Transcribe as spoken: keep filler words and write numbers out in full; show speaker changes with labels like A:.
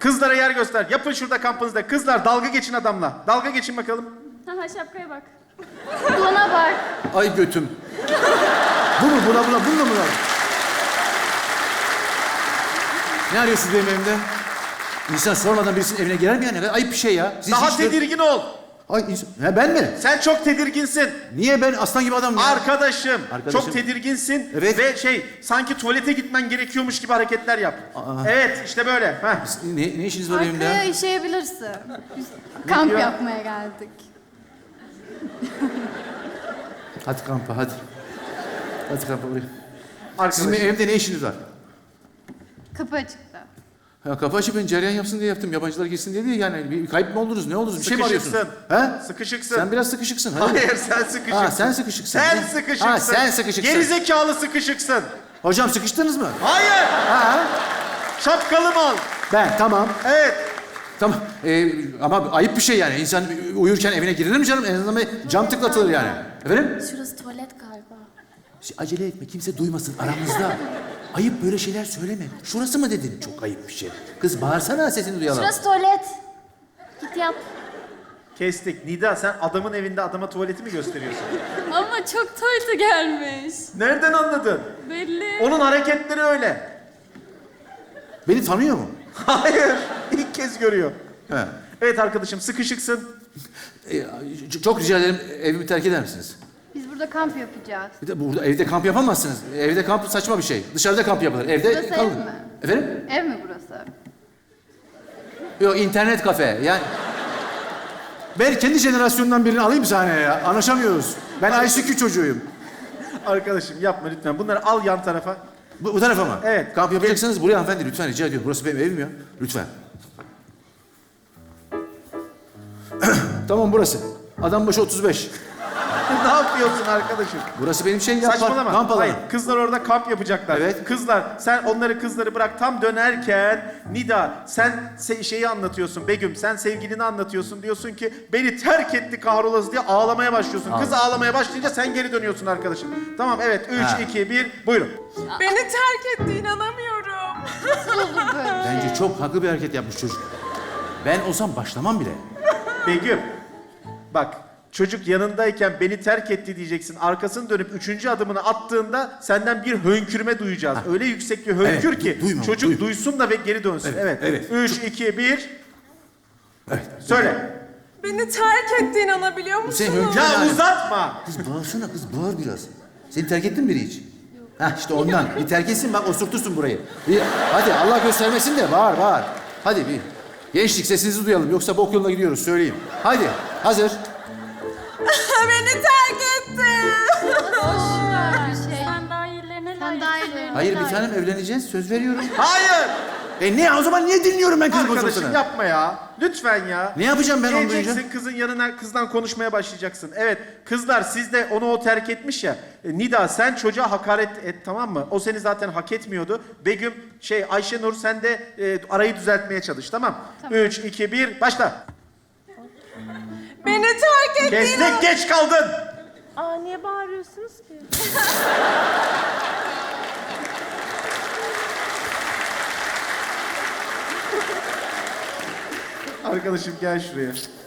A: Kızlara yer göster. Yapın şurada kampınızda. Kızlar dalga geçin adamla. Dalga geçin bakalım.
B: Haha şapkaya bak. Buna bak.
C: Ay götüm. Bu mu? Buna buna. Bununla buna. Ne arıyorsunuz benim evimde? İnsan sormadan birisinin evine girer mi yani? Ayıp bir şey ya. Siz
A: Daha
C: hiç-
A: tedirgin ol.
C: Ay insan... Ha, ben mi?
A: Sen çok tedirginsin.
C: Niye ben aslan gibi adamım ya?
A: Arkadaşım,
C: Arkadaşım.
A: çok tedirginsin.
C: Evet.
A: Ve şey, sanki tuvalete gitmen gerekiyormuş gibi hareketler yap.
C: Aa.
A: Evet, işte böyle. Heh.
C: Ne, ne işiniz var evimde?
B: Arkaya işeyebilirsin. Biz kamp
A: diyor?
B: yapmaya geldik.
C: Hadi kampa hadi. Hadi kampa buraya. Sizin
A: Arkadaşım.
C: evimde ne işiniz var?
B: Kapı açıktı.
C: Ya kapı açıp ben cereyan yapsın diye yaptım. Yabancılar girsin diye değil yani. Bir kayıp mı oldunuz? Ne oldunuz? Bir şey mi arıyorsunuz?
A: Sıkışıksın.
C: Ha?
A: Sıkışıksın.
C: Sen biraz sıkışıksın. Hadi.
A: Hayır, sen sıkışıksın.
C: Ha, sen sıkışıksın.
A: Sen
C: Ne?
A: sıkışıksın.
C: Ha, sen sıkışıksın.
A: Gerizekalı sıkışıksın.
C: Hocam sıkıştınız mı?
A: Hayır.
C: Ha?
A: Şapkalı mal.
C: Ben tamam.
A: Evet.
C: Tamam. Ee, ama ayıp bir şey yani. İnsan uyurken evine girilir mi canım? En azından bir cam tıklatılır yani. Efendim?
B: Şurası tuvalet galiba.
C: Acele etme. Kimse duymasın aramızda. Ayıp böyle şeyler söyleme. Şurası mı dedin? Çok ayıp bir şey. Kız bağırsana sesini duyalım.
B: Şurası tuvalet. Git yap.
A: Kestik. Nida, sen adamın evinde adama tuvaleti mi gösteriyorsun?
B: Ama çok tuvalete gelmiş.
A: Nereden anladın?
B: Belli.
A: Onun hareketleri öyle.
C: Beni tanıyor mu?
A: Hayır. İlk kez görüyor.
C: He.
A: Evet arkadaşım, sıkışıksın.
C: Ee, çok rica ederim evimi terk eder misiniz?
B: Biz burada kamp yapacağız.
C: Bir de burada evde kamp yapamazsınız. Evde kamp saçma bir şey. Dışarıda kamp yapılır. Evde
B: Burası ev
C: kalın.
B: mi?
C: Efendim?
B: Ev mi burası?
C: Yok internet kafe. Yani ben kendi jenerasyonundan birini alayım sahneye ya. Anlaşamıyoruz. Ben I C Q çocuğuyum.
A: Arkadaşım yapma lütfen. Bunları al yan tarafa.
C: Bu, bu tarafa mı?
A: Evet.
C: Kamp yapacaksanız buraya hanımefendi lütfen rica ediyorum. Burası benim evim ya. Lütfen. Tamam burası. Adam başı otuz beş.
A: Ne yapıyorsun arkadaşım?
C: Burası benim şey yapar.
A: Saçmalama.
C: Kamp alanı.
A: Hayır, kızlar orada kamp yapacaklar.
C: Evet.
A: Kızlar, sen onları kızları bırak. Tam dönerken Nida, sen se- şeyi anlatıyorsun Begüm. Sen sevgilini anlatıyorsun. Diyorsun ki beni terk etti kahrolası diye ağlamaya başlıyorsun. Kız ağlamaya başlayınca sen geri dönüyorsun arkadaşım. Tamam evet. Üç,
C: Ha.
A: iki, bir. Buyurun.
D: Beni terk etti, inanamıyorum.
B: Nasıl olur böyle?
C: Bence çok haklı bir hareket yapmış çocuk. Ben olsam başlamam bile.
A: Begüm. Bak. Çocuk yanındayken beni terk etti diyeceksin. Arkasını dönüp üçüncü adımını attığında senden bir hönkürme duyacağız. Öyle yüksek bir hönkür
C: Evet,
A: ki
C: du- duyma,
A: çocuk
C: duyma.
A: duysun da ve geri dönsün. Evet.
C: Evet, evet.
A: Üç, iki, bir.
C: Evet.
A: Söyle.
D: Beni terk etti, inanabiliyor musunuz?
C: Sen hönkür-
A: Ya
C: Yani.
A: uzatma.
C: Kız bağırsana kız bağır biraz. Seni terk ettin mi biri hiç? Hah işte ondan. Bir terk etsin bak osurtursun burayı. Bir, hadi Allah göstermesin de bağır bağır. Hadi bir. Gençlik sesinizi duyalım yoksa bok yoluna gidiyoruz söyleyeyim. Hadi hazır.
D: Beni terk etti.
B: Boş bir şey.
E: Sen daha iyilerine
B: Sen daha iyilerine
C: Hayır bir
B: layık.
C: tanem evleneceğiz söz veriyorum.
A: Hayır.
C: E ne o zaman niye dinliyorum ben kızın
A: Arkadaşım
C: konuşmasını?
A: yapma ya. Lütfen ya.
C: Ne yapacağım ben onu duyunca?
A: Geleceksin kızın yanına kızdan konuşmaya başlayacaksın. Evet kızlar siz de onu o terk etmiş ya. E, Nida sen çocuğa hakaret et tamam mı? O seni zaten hak etmiyordu. Begüm şey Ayşenur sen de e, arayı düzeltmeye çalış tamam. Üç, iki, bir başla.
D: Beni terk etti.
A: Kestik geç kaldın.
E: Aa niye bağırıyorsunuz ki?
A: Arkadaşım gel şuraya.